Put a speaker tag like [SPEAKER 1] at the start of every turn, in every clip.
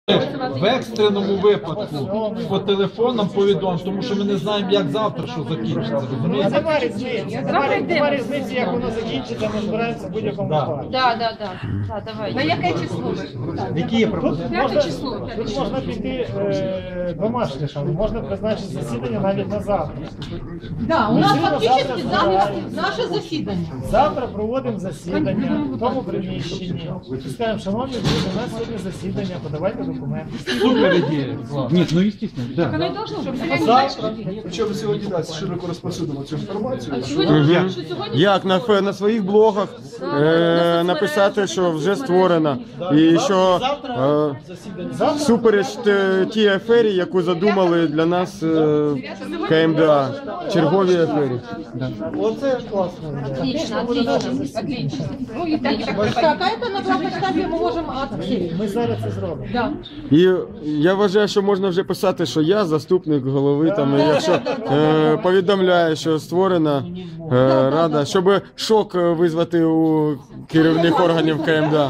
[SPEAKER 1] В екстреному випадку по телефонам повідомимо, тому що ми не знаємо, як завтра що закінчиться. Розумієте?
[SPEAKER 2] Нема різниці. Нема різниці, як воно закінчиться, ми збираємося в будь-якому випадку.
[SPEAKER 3] Да, давай. На яке число?
[SPEAKER 2] Які є пропозиції? Тут можна піти двома шляхами. Можна призначити засідання навіть на завтра.
[SPEAKER 3] Да, у нас фактично наше засідання.
[SPEAKER 2] Завтра проводимо засідання в тому приміщенні. І скажемо, шановні друзі, у нас сьогодні засідання, подавайте документи.
[SPEAKER 1] Супер ідея.
[SPEAKER 4] Нет, ну естественно, да.
[SPEAKER 3] Оно и должно быть.
[SPEAKER 2] Завтра.
[SPEAKER 5] Причому сьогодні нас широко розповсюдимо цю інформацію.
[SPEAKER 6] Як на своїх блогах написати, що вже створено, і що всупереч тій афері, яку задумали для нас КМДА, черговій афері.
[SPEAKER 2] Оце класно.
[SPEAKER 3] Отлично. Ну и так, а это на главном штабе мы можем открыть.
[SPEAKER 2] Ми зараз це зробимо.
[SPEAKER 3] Да.
[SPEAKER 6] І я вважаю, що можна вже писати, що я заступник голови, там, якщо повідомляю, що створена рада, щоб шок визвати у керівних органів КМДА.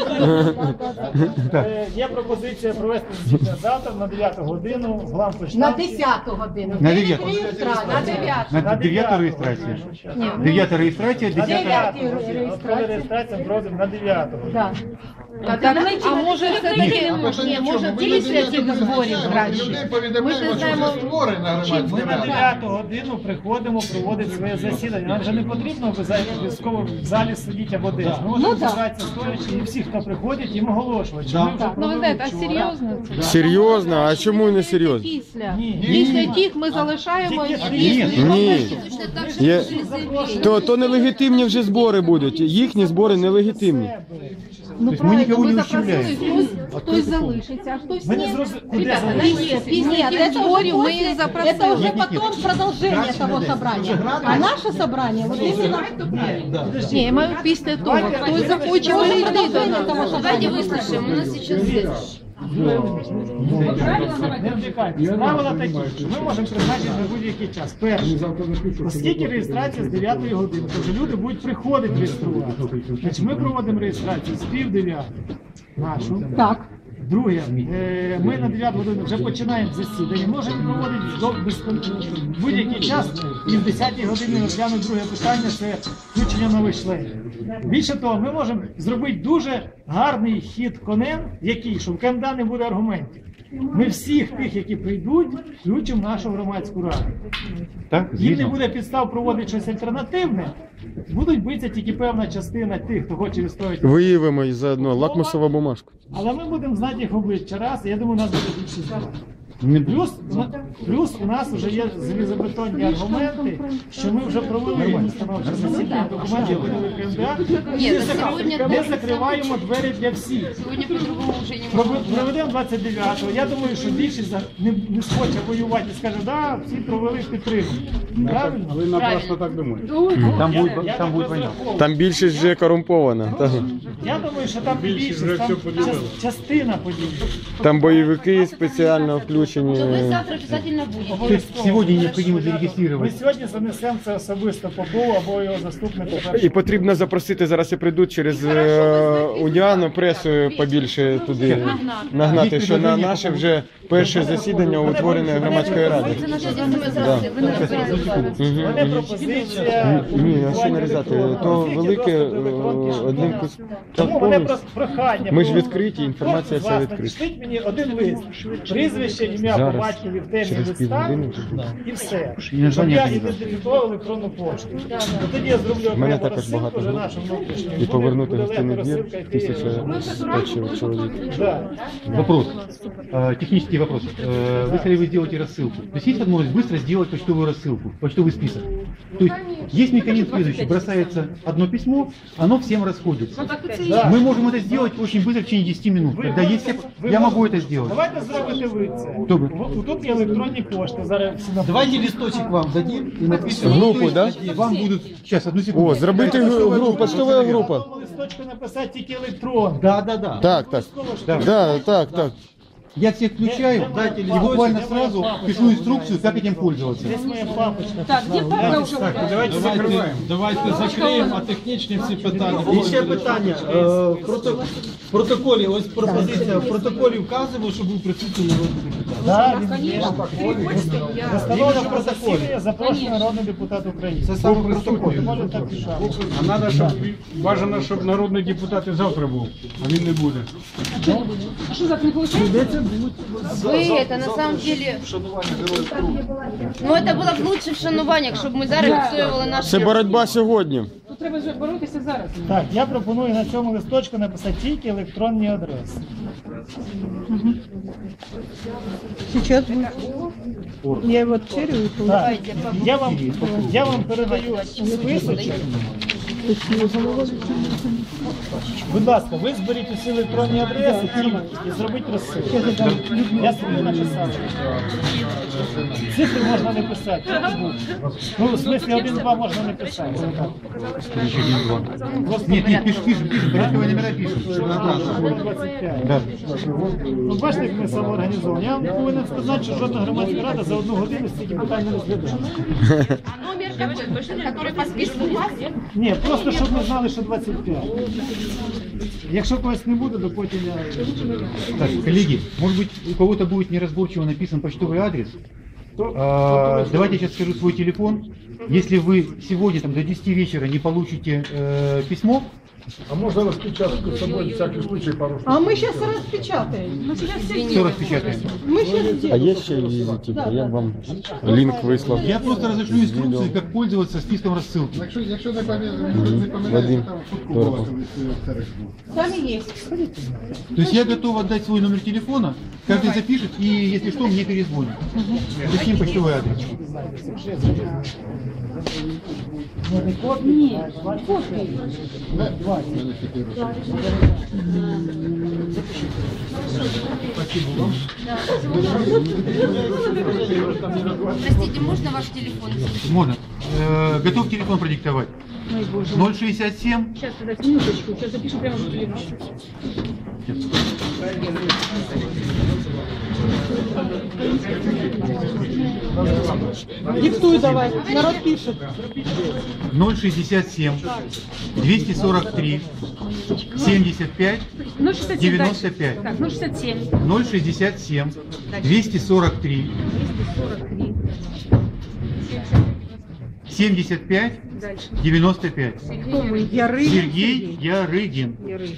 [SPEAKER 2] Є пропозиція провести засідання завтра на 9 годину в лампочці.
[SPEAKER 3] На 10 годину.
[SPEAKER 4] На 9.
[SPEAKER 3] На 9.
[SPEAKER 4] На 9 реєстрація. 9 реєстрація, 10
[SPEAKER 2] Коли реєстрація проводимо на 9 годину.
[SPEAKER 3] Да. А може все-таки, може після зборів краще. Ми ж не знаємо,
[SPEAKER 2] Ми на 9 годину приходимо проводити своє засідання. Нам вже не потрібно обов'язково в залі сидіти або десь. Ми можемо зібратися стоячи і всі, хто приходить, їм оголошувати, що ми вже провели вчора.
[SPEAKER 6] Серйозно? А чому не серйозно?
[SPEAKER 3] Після тих ми залишаємо
[SPEAKER 6] Ні. То нелегітимні вже збори будуть. Їхні збори нелегітимні.
[SPEAKER 3] Ну,
[SPEAKER 4] есть мы никого не ущемляем.
[SPEAKER 3] Хтось залишиться, а хтось
[SPEAKER 2] Ми не
[SPEAKER 3] ні.
[SPEAKER 2] зрозуміли, куди
[SPEAKER 3] Ребята,
[SPEAKER 2] залишиться.
[SPEAKER 3] нет, это уже потом продолжение того собрания. А наше собрание, вот именно... Не, я маю після того. Хтось захоче прийти до нас.
[SPEAKER 7] Давайте выслушаем, у нас сейчас здесь.
[SPEAKER 2] Не втікайте. Правила такі, що ми можемо призначити на будь-який час. Перше, оскільки реєстрація з 9 години, тобто люди будуть приходити реєструвати. Значить, ми проводимо реєстрацію з пів 9 нашу.
[SPEAKER 3] Так.
[SPEAKER 2] Друге, ми на 9 годину вже починаємо засідання. Можемо проводити в будь-який час і в 10 годині розглянути друге питання, це включення нових членів. Більше того, ми можемо зробити дуже гарний хід конем, який, що в КМДА не буде аргументів. Ми всіх тих, які прийдуть, включимо в нашу громадську раду.
[SPEAKER 4] Так,
[SPEAKER 2] Їм не
[SPEAKER 4] звісно.
[SPEAKER 2] буде підстав проводити щось альтернативне, будуть битися тільки певна частина тих, хто хоче відстояти.
[SPEAKER 6] Виявимо і заодно лакмусова бумажка.
[SPEAKER 2] Але ми будемо знати їх обличчя раз, і я думаю, у нас буде більше знати. Плюс у нас вже є залізобетонні аргументи, що ми вже провели установче засідання, документи видали КМДА,
[SPEAKER 7] Ні, на сьогодні
[SPEAKER 2] не закриваємо двері для всіх.
[SPEAKER 7] Сегодня по-другому уже не можно.
[SPEAKER 2] Проведемо 29-го. Я думаю, що більшість не схоче воювати і скаже, да, всі провели підтримку. Правильно?
[SPEAKER 4] Вы напрасно так думаете.
[SPEAKER 2] Я
[SPEAKER 4] Там
[SPEAKER 2] так
[SPEAKER 4] будет война.
[SPEAKER 2] розраховую.
[SPEAKER 6] Там більшість вже корумпована.
[SPEAKER 2] Я думаю, що там більшість, там частина подібна.
[SPEAKER 6] Там бойовики спеціально включені.
[SPEAKER 7] То вы завтра обязательно будете.
[SPEAKER 4] То есть сегодня необходимо
[SPEAKER 2] Ми
[SPEAKER 4] зарегистрировать.
[SPEAKER 2] сьогодні занесемо це особисто Попову або його заступнику.
[SPEAKER 6] І потрібно запросити, зараз і прийдуть через Уніану пресу побільше туди нагнати, що на наше вже перше засідання утвореної громадської ради.
[SPEAKER 7] Це наше діло, ми зараз ви не розберете.
[SPEAKER 2] Мене пропозиція.
[SPEAKER 6] Ні, а що нарізати? То велике одним куском.
[SPEAKER 2] Тому
[SPEAKER 6] Так
[SPEAKER 2] мене
[SPEAKER 6] повністю.
[SPEAKER 2] просто прохання.
[SPEAKER 6] Ми ж відкриті, інформація
[SPEAKER 2] Кожен з
[SPEAKER 6] вся
[SPEAKER 2] вас
[SPEAKER 6] відкрита.
[SPEAKER 2] напишіть мені один лист, прізвище, ім'я по
[SPEAKER 6] Зараз,
[SPEAKER 2] батькові в темі
[SPEAKER 6] через
[SPEAKER 2] листа
[SPEAKER 6] півгодини.
[SPEAKER 2] і все.
[SPEAKER 4] І
[SPEAKER 2] Щоб
[SPEAKER 4] названня
[SPEAKER 2] я
[SPEAKER 4] кандидата.
[SPEAKER 2] ідентифікував електронну пошту. Тоді я зроблю
[SPEAKER 6] У мене
[SPEAKER 2] окрему
[SPEAKER 6] також
[SPEAKER 2] розсилку
[SPEAKER 6] багато
[SPEAKER 2] вже
[SPEAKER 6] груп.
[SPEAKER 2] нашу внутрішню.
[SPEAKER 6] І повернути
[SPEAKER 2] Буде
[SPEAKER 6] гостинний
[SPEAKER 2] легко
[SPEAKER 6] двір
[SPEAKER 2] розсилка йти.
[SPEAKER 6] 1500 чоловік.
[SPEAKER 2] Да.
[SPEAKER 4] Вопрос. Технический вопрос. Если вы сделаете рассылку, то есть есть возможность быстро сделать почтовую рассылку, почтовый список? То есть есть механизм следующий. Бросается одно письмо, оно всем расходится.
[SPEAKER 2] Да.
[SPEAKER 4] Мы можем это сделать очень быстро, в течение 10 минут. Когда есть я могу это сделать.
[SPEAKER 2] Давайте зробите ви це.
[SPEAKER 4] Добре.
[SPEAKER 2] Тут є електронні кошти. Зараз всі на
[SPEAKER 1] Давайте листочек вам дадим и напишем.
[SPEAKER 6] Групу, да?
[SPEAKER 4] Вам будут... Сейчас, одну секунду.
[SPEAKER 6] О, зробити групу, поштова група.
[SPEAKER 2] листочку написати тільки електрон.
[SPEAKER 1] Да.
[SPEAKER 6] Так. Так.
[SPEAKER 4] Я всех включаю и буквально сразу пишу инструкцию, как этим пользоваться.
[SPEAKER 2] Десь моя папочка.
[SPEAKER 3] Так, где папа уже?
[SPEAKER 1] Давайте закриємо, а технічні всі питання.
[SPEAKER 8] І ще питання. В протоколі, ось пропозиція, в протоколі вказуємо, що був присутній народний депутат.
[SPEAKER 2] Да, він є. Встановлено в протоколі. Запрошений народний депутат України.
[SPEAKER 8] Це саме в протоколі.
[SPEAKER 2] Може так пишемо.
[SPEAKER 9] А надо, щоб бажано, щоб народний депутат і завтра був, а він не буде.
[SPEAKER 7] Ви это на самом деле... Ну это було б лучше вшанування, щоб ми зараз відстоювали наші...
[SPEAKER 6] Це боротьба сьогодні.
[SPEAKER 2] Так, я пропоную на цьому листочку написати тільки електронні адреси.
[SPEAKER 3] Сейчас будет. Я его отчерю.
[SPEAKER 2] Так, я вам передаю списочок. Будь ласка, ви зберіть усі електронні адреси і зробіть розсилку. Я собі написав. Цифри можна не писати. Ну, в смислі 1-2 можна не писати.
[SPEAKER 4] Нет, пишем, порядковые номера пишем.
[SPEAKER 2] 25.
[SPEAKER 4] Да.
[SPEAKER 2] Ну, бачите, як ми самоорганізовані. Я вам повинен сказати, що жодна громадська рада за 1 годину стільки питань не розглядає.
[SPEAKER 7] А номер какой? Который по списку у вас?
[SPEAKER 2] Ні, просто щоб ми знали, що 25. Якщо когось не буде, то потім я...
[SPEAKER 4] Так, коллеги, может быть, у кого-то будет неразборчиво написан почтовый адрес. Давайте я сейчас скажу свой телефон. Если вы сегодня там, до 10 вечера не получите письмо,
[SPEAKER 5] А можно распечатку с собой, всякий случай, пару штук?
[SPEAKER 3] А мы сейчас распечатаем. Мы сейчас
[SPEAKER 4] все распечатаем.
[SPEAKER 3] Мы сейчас
[SPEAKER 6] А
[SPEAKER 3] сделаем.
[SPEAKER 6] є ще візитівка? Я вам лінк вислав.
[SPEAKER 4] Я просто разошлю инструкции, как пользоваться списком рассылки.
[SPEAKER 5] Якщо не
[SPEAKER 6] Вадим,
[SPEAKER 5] помиляюсь,
[SPEAKER 3] Сами есть.
[SPEAKER 4] То есть я готов отдать свой номер телефона, каждый запишет и, если что, мне перезвонит. Таким почтовый адрес.
[SPEAKER 3] Нет, копии.
[SPEAKER 7] Простите, можно ваш телефон?
[SPEAKER 4] Можно. Готов телефон продиктовать? 067.
[SPEAKER 3] Сейчас, подожди, минуточку. Сейчас запишем прямо в телефон. Диктуй давай, народ пишет.
[SPEAKER 4] 067 243 75 95.
[SPEAKER 7] Так, 067.
[SPEAKER 4] 067 243 75 95.
[SPEAKER 3] Ярыгин.
[SPEAKER 4] Сергей Ярыгин.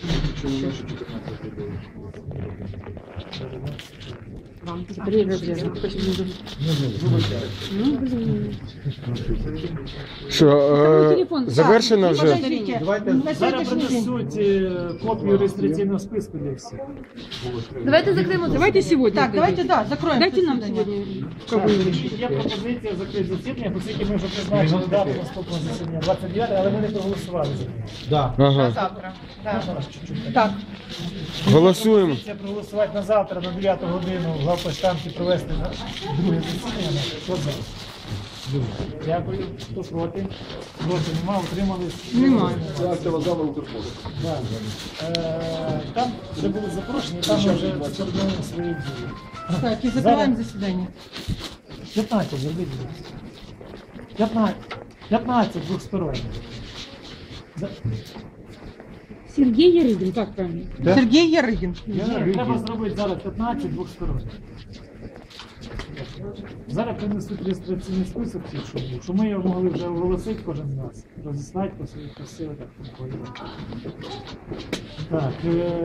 [SPEAKER 6] Що, завершено вже?
[SPEAKER 3] Подождите. На
[SPEAKER 2] Зараз
[SPEAKER 3] сегодняшний день.
[SPEAKER 2] принесуть копію реєстраційного списку для всіх.
[SPEAKER 7] Давайте закроем.
[SPEAKER 3] Давайте сегодня. Так, давайте, да, закроем. Дайте нам
[SPEAKER 2] Є пропозиція закрити засідання, оскільки ми вже призначили дату наступного засідання 29, але ми не проголосували за неї.
[SPEAKER 1] Да.
[SPEAKER 6] Ага.
[SPEAKER 7] Завтра.
[SPEAKER 3] Так,
[SPEAKER 6] Голосуємо.
[SPEAKER 2] Пропозиція проголосувати на завтра на 9 годину в главпочтамті провести друге засідання. Хто за? Дякую. Хто проти? Проти нема, утримались?
[SPEAKER 3] Немає.
[SPEAKER 5] Це актова зала Укрпошти.
[SPEAKER 2] Да. Там, де були запрошені, там ми вже скоординуємо свої дії.
[SPEAKER 3] так, и закрываем заседание.
[SPEAKER 2] 15, зробіть. 15 двохсторонніх.
[SPEAKER 3] Сергей Ярыгин, как правильно?
[SPEAKER 4] Да?
[SPEAKER 3] Сергей Ярыгин.
[SPEAKER 2] Треба зробити зараз 15 двохсторонніх. Зараз принесуть реєстраційний список, щоб ми його могли вже оголосити кожен з нас. Розіслати по своїх посилках. Так,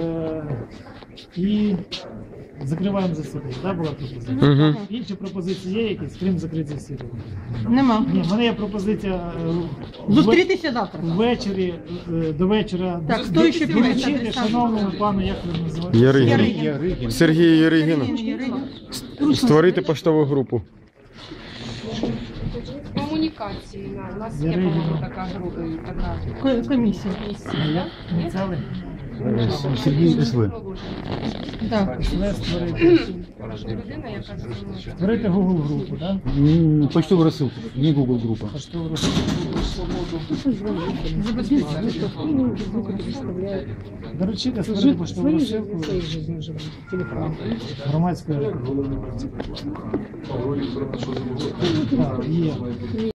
[SPEAKER 2] і закриваємо засідання. Так, була пропозиція?
[SPEAKER 6] Угу.
[SPEAKER 2] Інші пропозиції є якісь, крім закриття засідання?
[SPEAKER 3] Нема.
[SPEAKER 2] Ні, в мене є пропозиція
[SPEAKER 3] Зустрітися завтра.
[SPEAKER 2] ввечері, до вечора.
[SPEAKER 3] Так, хто ще
[SPEAKER 2] доручити
[SPEAKER 3] буде?
[SPEAKER 2] шановному пану, як ви називаєте?
[SPEAKER 6] Яригін.
[SPEAKER 4] Ярыгин.
[SPEAKER 6] Сергій Яригін.
[SPEAKER 3] Ярыгин.
[SPEAKER 6] Створити поштову групу.
[SPEAKER 7] Комунікації. У нас є,
[SPEAKER 2] Ярыгин.
[SPEAKER 7] по-моєму, така група.
[SPEAKER 3] Комиссия.
[SPEAKER 2] Ініціали?
[SPEAKER 4] Сергей СВ.
[SPEAKER 3] Да.
[SPEAKER 2] Створити Google групу, так?
[SPEAKER 4] Почтовую рассылку, не Google группа.
[SPEAKER 2] Доручити створити поштову розсилку громадської. Так, є.